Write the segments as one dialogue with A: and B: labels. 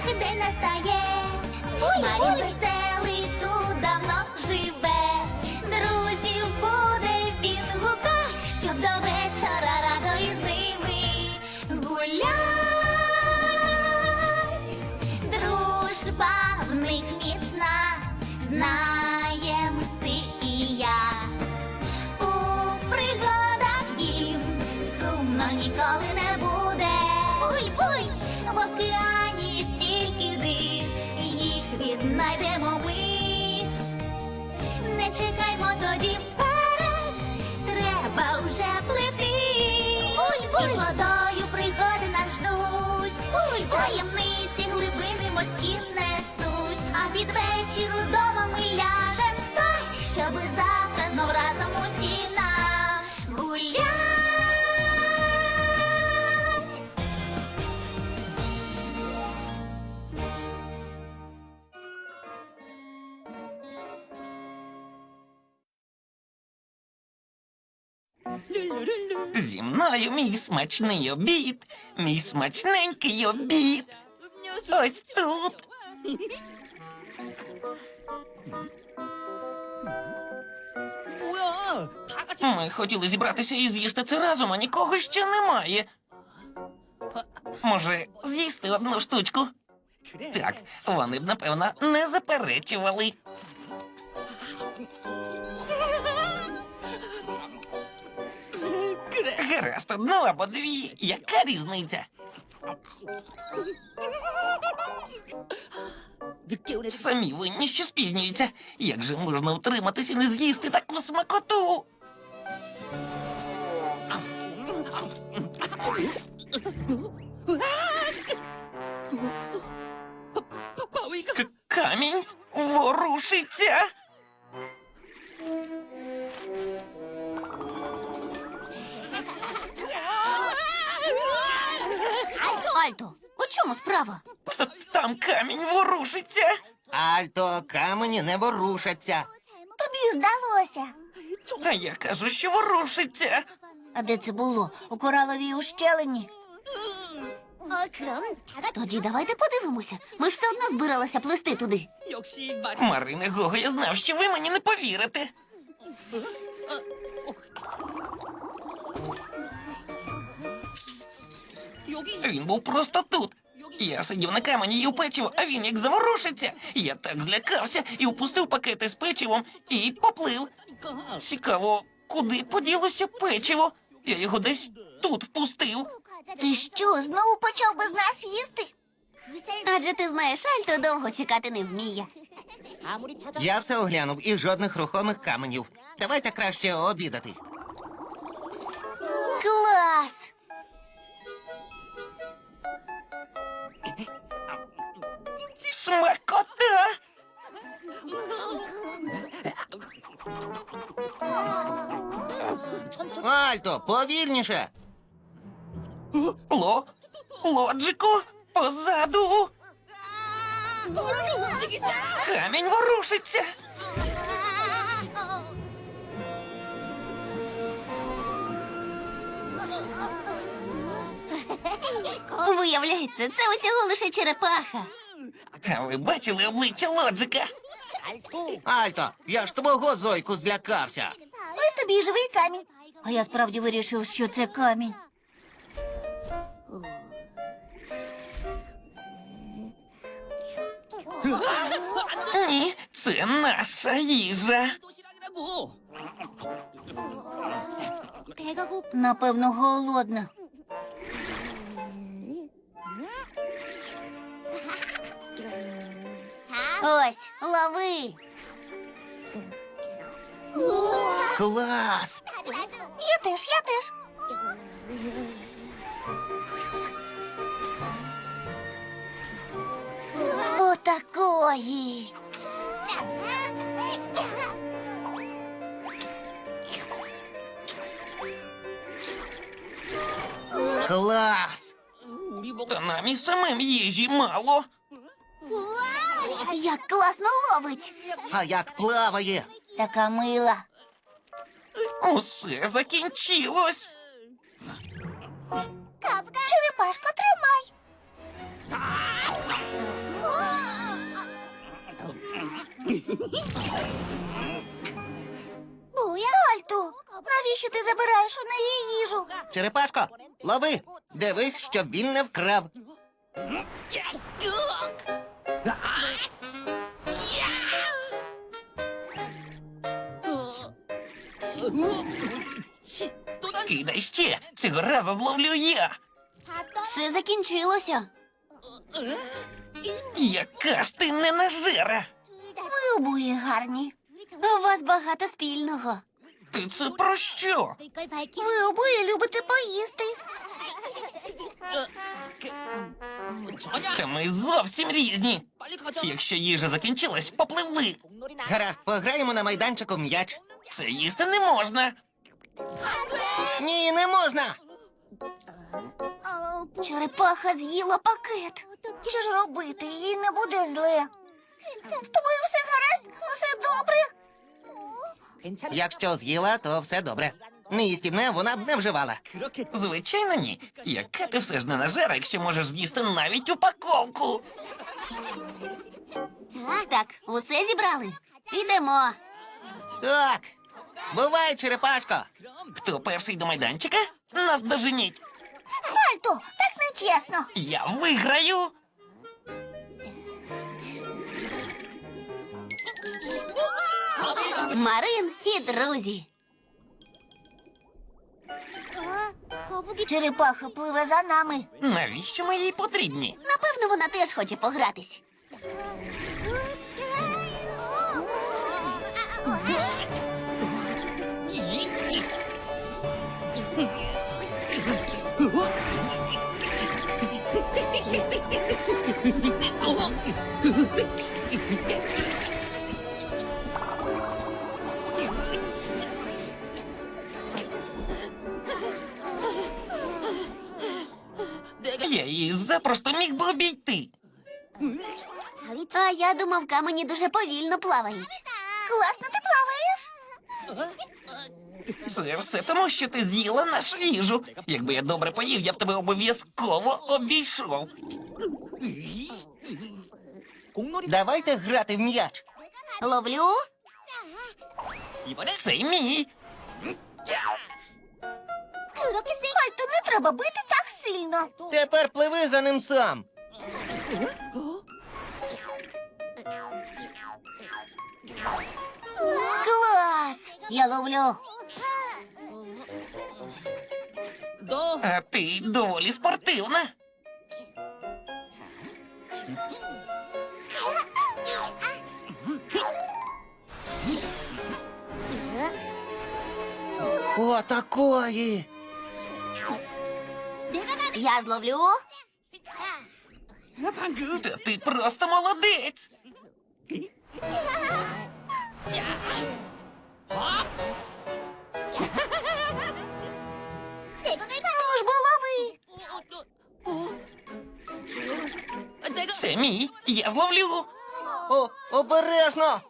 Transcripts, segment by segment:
A: день настає. Марін веселий тут давно живе. Друзів буде він гукать, щоб до вечора радо із ними гулять. Дружба в них міцна, знаєм ти і я. У пригадах їм сумно ніколи не буде. Буй-буй! В океані стільки див, їх віднайдемо ми. Не чекаймо тоді вперед, треба вже плити. Буй-буй! І водою пригоди нас ждуть. Буй-буй! Таємниці глибини морські несуть. А під вечір удома ми ляжем спать, щоби завтра знов разом усі нагулять.
B: Зі мною мій смачний обід, мій смачненький обід. Ось тут. Ми хотіли зібратися і з'їсти це разом, а нікого ще немає. Може, з'їсти одну штучку? Так, вони б, напевно, не заперечували. Гаразд, одну або дві. Яка різниця? Самі винні, що спізнюються. Як же можна втриматися і не з'їсти таку смакоту? Камінь ворушиться.
A: Альто, у чому справа?
B: Там камінь ворушиться.
C: Альто, камені не ворушаться.
A: Тобі здалося.
B: А я кажу, що ворушиться.
A: А де це було? У кораловій ущелині? Тоді давайте подивимося. Ми ж все одно збиралися плисти туди.
B: Марине Гого, я знав, що ви мені не повірите. Він був просто тут. Я сидів на камені і їв печиво, а він як заворушиться. Я так злякався і впустив пакети з печивом і поплив. Цікаво, куди поділося печиво? Я його десь тут впустив.
A: Ти що, знову почав без нас їсти? Адже ти знаєш, Альто довго чекати не вміє.
C: Я все оглянув і жодних рухомих каменів. Давайте краще обідати.
A: Клас!
B: Смакота!
C: Альто, повільніше.
B: Лоджику, позаду. Камінь ворушиться.
A: Виявляється, це усього лише черепаха.
B: А ви бачили обличчя Лоджика?
C: Альто, я ж твого Зойку злякався.
A: Ось тобі й живий камінь. А я справді вирішив, що це камінь.
B: Ні, це наша їжа.
A: Напевно, голодна. Ось, лови.
C: Клас!
A: Я теж. Отакої.
C: Клас!
B: Та нам і самим їжі мало.
A: Як класно ловить.
C: А як плаває?
A: Така мила.
B: Усе закінчилось.
A: Черепашко, тримай. Навіщо ти забираєш у неї їжу?
C: Черепашко, лови! Дивись, щоб він не вкрав.
B: Кидай ще. Цього разу зловлю я.
A: Все закінчилося.
B: Яка ж ти ненажера.
A: Ви обоє гарні. У вас багато спільного.
B: Ти це про що?
A: Ви обоє любите поїсти.
B: Та ми зовсім різні. Якщо їжа закінчилась, попливли.
C: Гаразд, пограємо на майданчику в м'яч.
B: Це їсти не можна.
C: Ні, не можна!
A: Черепаха з'їла пакет. Що ж робити? Їй не буде зле. З тобою все гаразд? Усе добре?
C: Якщо з'їла, то все добре. Неїстівне вона б не вживала.
B: Звичайно, ні. Яка ти все ж ненажера, якщо можеш з'їсти навіть упаковку.
A: Так, усе зібрали. Ідемо.
C: Так, бувай, черепашко.
B: Хто перший до майданчика? Нас доженіть.
A: Альто, так нечесно.
B: Я виграю.
A: Марин і друзі. Черепаха пливе за нами.
B: Навіщо ми їй потрібні?
A: Напевно, вона теж хоче погратись.
B: Я її запросто міг би обійти.
A: А я думав, камені дуже повільно плавають. Класно ти плаваєш.
B: Це все тому, що ти з'їла нашу їжу. Якби я добре поїв, я б тебе обов'язково обійшов.
C: Давайте грати в м'яч.
A: Ловлю.
B: Це мій.
A: Альто, не треба бити так сильно.
C: Тепер пливи за ним сам.
A: Клас! Я ловлю.
B: А ти доволі спортивна.
C: О, такої.
A: Я зловлю.
B: Та ти просто молодець.
A: Ну ж бо лови.
B: Це мій. Я зловлю.
C: О, обережно.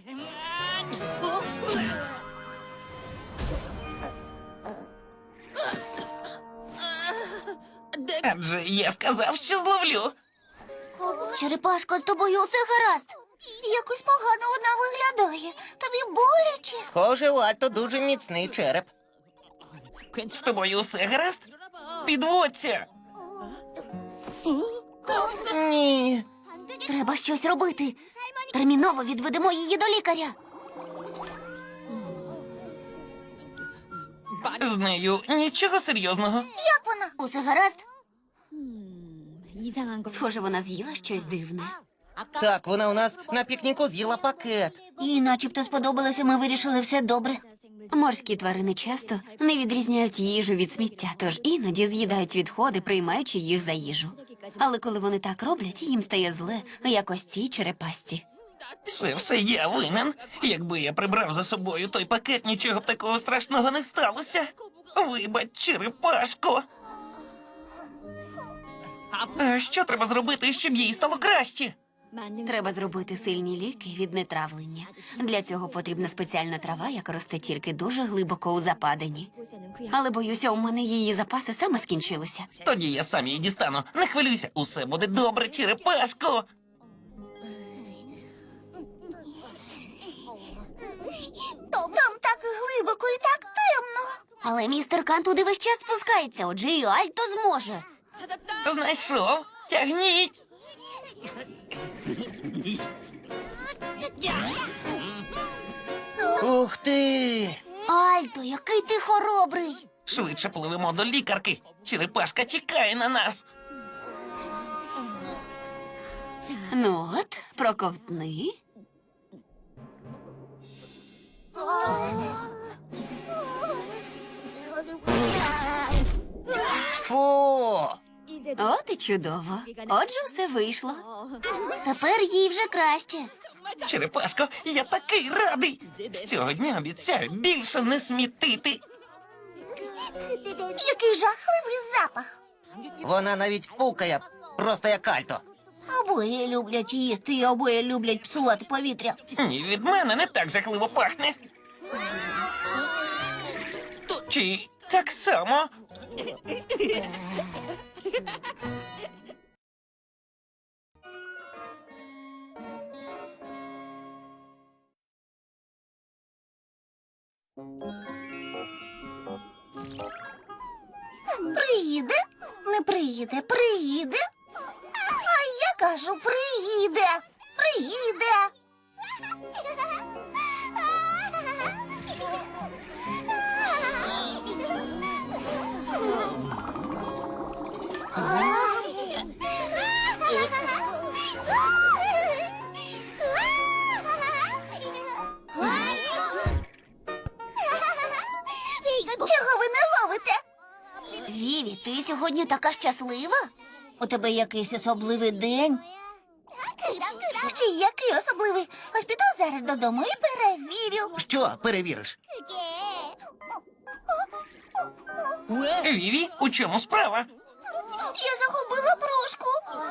B: Адже я сказав, що зловлю.
A: Черепашко, з тобою усе гаразд. Якось погано вона виглядає. Тобі боляче.
C: Схоже, у Альто дуже міцний череп.
B: З тобою все гаразд? Підводься.
C: Ні.
A: Треба щось робити. Терміново відведемо її до лікаря.
B: З нею нічого серйозного.
A: Як вона? Усе гаразд?
D: Схоже, вона з'їла щось дивне.
C: Так, вона у нас на пікніку з'їла пакет.
A: Їй начебто сподобалося, ми вирішили все добре.
D: Морські тварини часто не відрізняють їжу від сміття, тож іноді з'їдають відходи, приймаючи їх за їжу. Але коли вони так роблять, їм стає зле, як ось цій черепасті.
B: Це все я винен. Якби я прибрав за собою той пакет, нічого б такого страшного не сталося. Вибач, черепашко. А що треба зробити, щоб їй стало краще?
D: Треба зробити сильні ліки від нетравлення. Для цього потрібна спеціальна трава, яка росте тільки дуже глибоко у западині. Але, боюся, у мене її запаси саме скінчилися.
B: Тоді я сам її дістану. Не хвилюйся, усе буде добре, черепашко.
A: Там так глибоко і так темно.
D: Але містер Кан туди весь час спускається, отже і Альто зможе.
B: Знайшов. Тягніть.
C: Ух ти!
D: Альто, який ти хоробрий.
B: Швидше пливемо до лікарки. Черепашка чекає на нас.
D: Ну от, проковтни.
C: Фу!
D: От і чудово. Отже, все вийшло. Тепер їй вже краще.
B: Черепашко, я такий радий. З цього дня обіцяю більше не смітити.
A: Який жахливий запах.
C: Вона навіть пукає, просто як Альто.
A: Обоє люблять їсти і обоє люблять псувати повітря.
B: Ні, від мене не так жахливо пахне. Чи так само?
A: Приїде? Не приїде, приїде. А я кажу, приїде. Приїде. Чого ви не ловите?
D: Віві, ти сьогодні така щаслива?
A: У тебе якийсь особливий день? Ще й який особливий? Ось піду зараз додому і перевірю.
C: Що перевіриш?
B: Віві, у чому справа?
A: Я загубила брошку.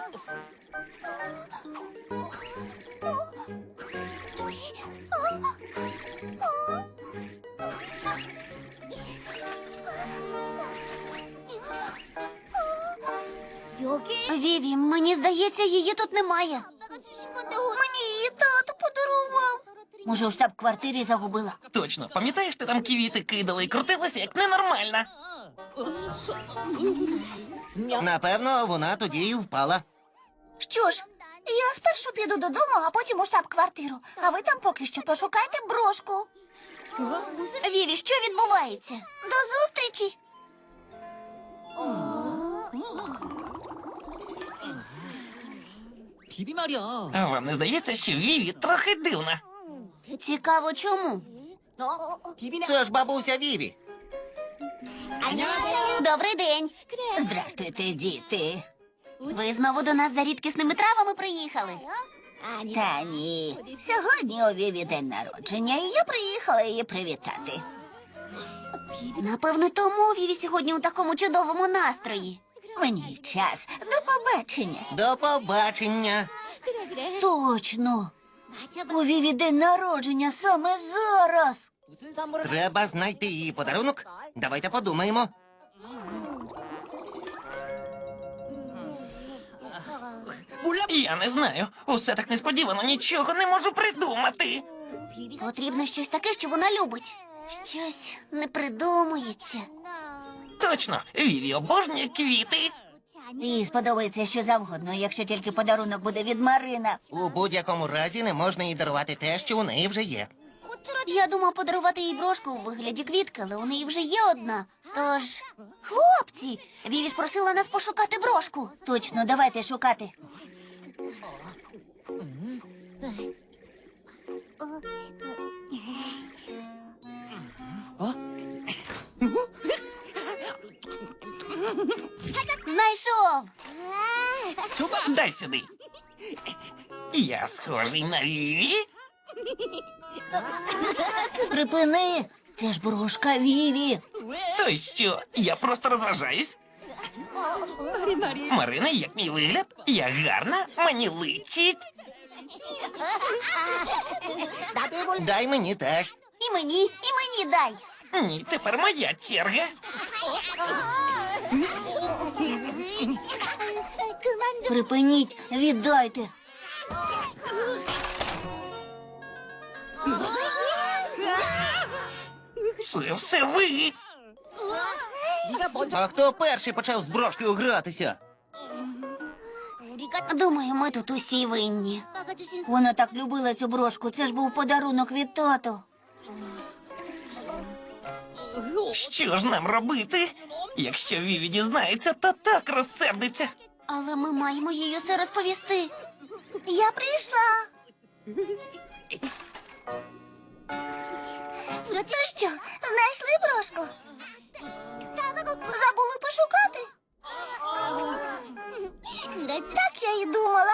D: Віві, мені здається, її тут немає.
A: Мені її тато подарував. Може, у штаб-квартирі загубила?
B: Точно, пам'ятаєш, ти там квіти кидала і крутилася, як ненормальна?
C: Напевно, вона тоді і впала.
A: Що ж, я спершу піду додому, а потім у штаб-квартиру. А ви там поки що пошукайте брошку.
D: Віві, що відбувається?
A: До зустрічі!
E: 비비 말이야.
B: А вам не здається, що Віві трохи дивна?
D: Цікаво, чому?
E: 비비네.
C: Це ж бабуся Віві.
E: 안녕하세요.
D: Добрий день.
A: Здрастуйте, діти.
D: Ви знову до нас за рідкісними травами приїхали.
A: Та ні. Сьогодні у Віві день народження, і я приїхала її привітати.
D: Напевно, тому Віві сьогодні у такому чудовому настрої.
A: Мені час. До побачення.
C: До побачення.
A: Точно. У Віві день народження саме зараз.
E: 무슨 선물을
C: Треба знайти її подарунок. Давайте подумаємо.
E: 몰라.
B: Я не знаю. Усе так несподівано, нічого не можу придумати.
D: Потрібно щось таке, що вона любить. Щось не придумується.
B: Точно, Віві обожнює квіти.
A: Їй сподобається що завгодно, якщо тільки подарунок буде від Марина.
C: У будь-якому разі не можна їй дарувати те, що у неї вже є.
D: Я думав подарувати їй брошку у вигляді квітки, але у неї вже є одна. Тож, хлопці, Віві ж просила нас пошукати брошку.
A: Точно, давайте шукати.
D: Знайшов.
E: 줘봐.
B: Дай сюди. Я схожий на Віві.
A: Припини. Це ж брошка Віві.
E: 왜?
B: То що, я просто розважаюсь.
E: 말이.
B: Марина, як мій вигляд? Я гарна, мені личить.
E: 나도 해볼래.
C: Дай мені теж.
D: І мені дай.
B: Ні, тепер моя черга.
A: Припиніть, віддайте.
B: Це все ви.
E: 먼저
C: А хто перший почав з брошкою гратися?
D: Думаю, ми тут усі винні.
A: 아빠가 주신
D: Вона так любила цю брошку. Це ж був подарунок від тату.
B: Що ж нам робити? Якщо Віві дізнається, то так розсердиться.
D: Але ми маємо їй усе розповісти. Я прийшла.
A: Ну
D: що, знайшли брошку? Забули пошукати? Так я й думала.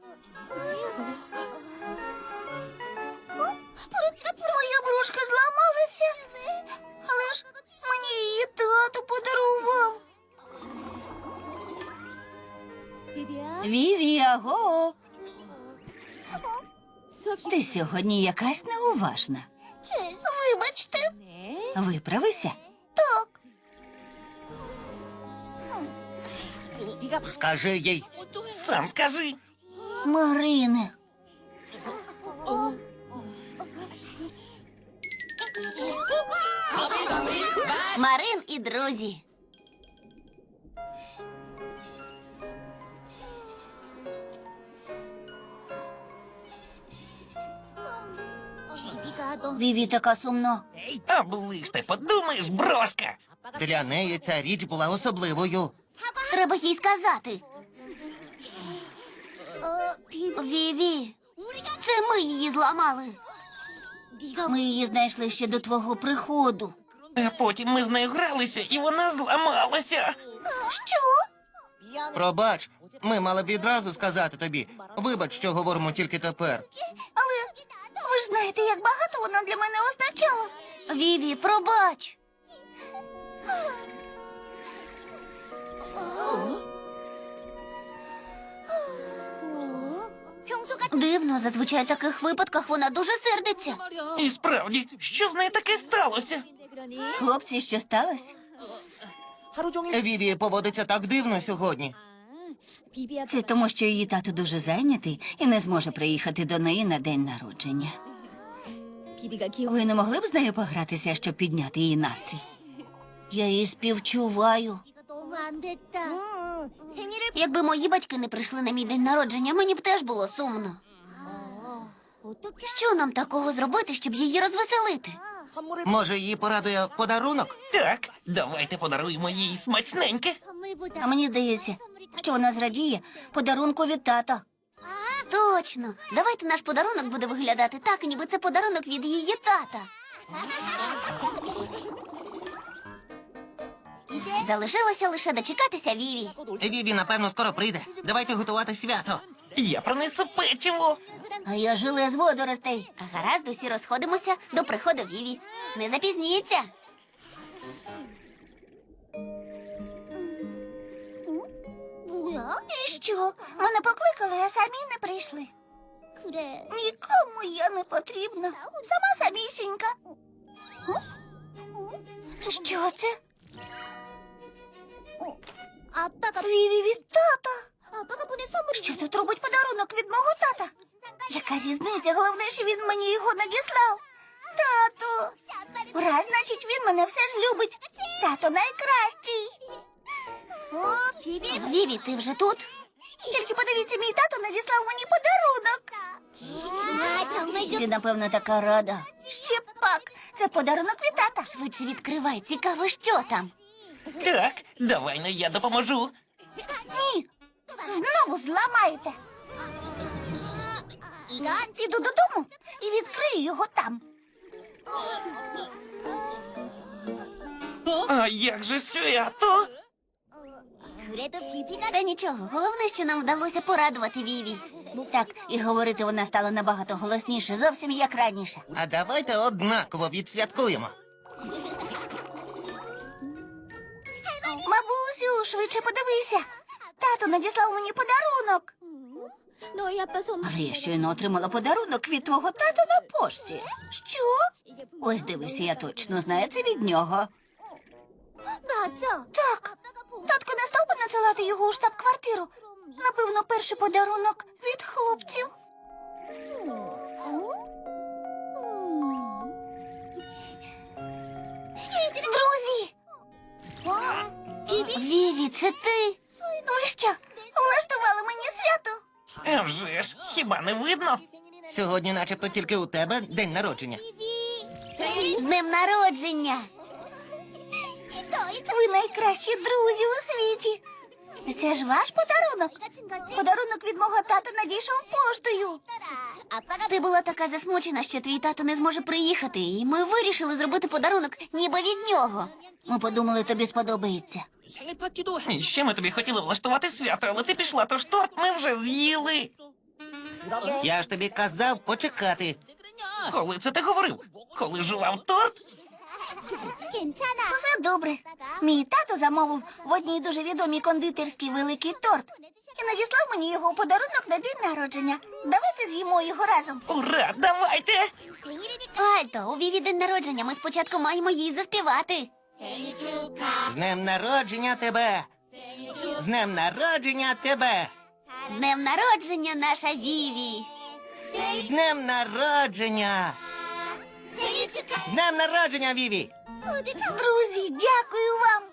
D: Моя брошка зламалася. Але ж мені її тато подарував. Віві, аго. Ти сьогодні якась неуважна. Вибачте. Виправися. Так.
E: 네가
C: Скажи їй.
B: Сам скажи.
D: Марине. Марин і друзі.
A: 비비가 너무
D: Віві така сумна.
B: Оближте, подумаєш, брошка.
C: Для неї ця річ була особливою.
D: Треба їй сказати. Віві, це ми її зламали. Ми її знайшли ще до твого приходу.
B: А потім ми з нею гралися, і вона зламалася.
D: Що?
C: Пробач, ми мали б відразу сказати тобі. Вибач, що говоримо тільки тепер.
D: Але ви ж знаєте, як багато вона для мене означала. Віві, пробач. Дивно, зазвичай в таких випадках вона дуже сердиться.
B: І справді, що з нею таке сталося?
D: Хлопці, що сталося?
E: 하루 종일
C: Віві поводиться так дивно сьогодні.
D: Це тому, що її тато дуже зайнятий і не зможе приїхати до неї на день народження. Ви не могли б з нею погратися, щоб підняти її настрій? Я її співчуваю.
A: 너무 안 됐다. 생일을
D: Якби мої батьки не прийшли на мій день народження, мені б теж було сумно.
A: 어떻게
D: Що нам такого зробити, щоб її розвеселити?
E: 선물을
C: Може, її порадує подарунок?
B: Так, давайте подаруємо їй смачненьке.
A: 선물보다
D: А мені здається, що вона зрадіє подарунку від тата. Точно. Давайте наш подарунок буде виглядати так, ніби це подарунок від її тата. Залишилося лише дочекатися Віві.
C: Віві, напевно, скоро прийде. Давайте готувати свято.
B: Я принесу печиво.
D: А я желе з водоростей. Гаразд, усі розходимося до приходу Віві. Не запізніться.
A: 뭐야?
D: І що? Мене покликали, а самі не прийшли.
A: 그래.
D: Нікому я не потрібна. Сама самісінька. Що це?
A: 아빠가
D: Віві від тата.
A: 아빠가 보낸 선물이
D: Що тут робить подарунок від мого тата? Яка різниця? Головне, що він мені його надіслав. Тату. Раз, значить, він мене все ж любить. Тато найкращий.
A: 비비.
D: Віві, ти вже тут? Тільки подивіться, мій тато надіслав мені подарунок.
A: 아, 정말
D: Ти, напевно, така рада. Ще пак. Це подарунок від тата. Швидше відкривай. Цікаво, що там.
B: Так, давай, ну я допоможу.
D: Ні. Знову зламаєте.
A: 이건
D: Піду додому і відкрию його там.
B: А як же свято?
A: 그래도 비비가
D: Та нічого, головне, що нам вдалося порадувати Віві. Так, і говорити вона стала набагато голосніше, зовсім як раніше.
C: А давайте однаково відсвяткуємо.
D: Бабусю, швидше подивися. Тато надіслав мені подарунок.
A: 너희 아빠 선물.
D: Але я щойно отримала подарунок від твого тата на пошті. Що? Ось дивися, я точно знаю, це від нього.
A: 맞아.
D: Так, татко не став би надсилати його у штаб-квартиру. Напевно, перший подарунок від хлопців. Друзі!
A: Віві, це ти? Ви що, влаштували мені свято?
B: А вже ж, хіба не видно?
C: Сьогодні начебто тільки у тебе день народження.
A: З днем народження! Ви найкращі друзі у світі. Це ж ваш подарунок. Подарунок від мого тата надійшов поштою. Ти була така засмучена, що твій тато не зможе приїхати, і ми вирішили зробити подарунок ніби від нього. Ми подумали, тобі сподобається.
E: 생일 파티도
B: І ще ми тобі хотіли влаштувати свято, але ти пішла, тож торт ми вже з'їли.
C: Я ж тобі казав почекати.
B: Коли це ти говорив? Коли жував торт?
A: Все добре. Мій тато замовив в одній дуже відомій кондитерській великий торт і надіслав мені його у подарунок на день народження. Давайте з'їмо його разом.
B: Ура, давайте!
A: Альто, у Віві день народження. Ми спочатку маємо їй заспівати.
C: З днем народження тебе! З днем народження тебе!
A: З днем народження, наша Віві.
C: З днем народження! З днем народження, Віві!
A: Друзі, дякую вам.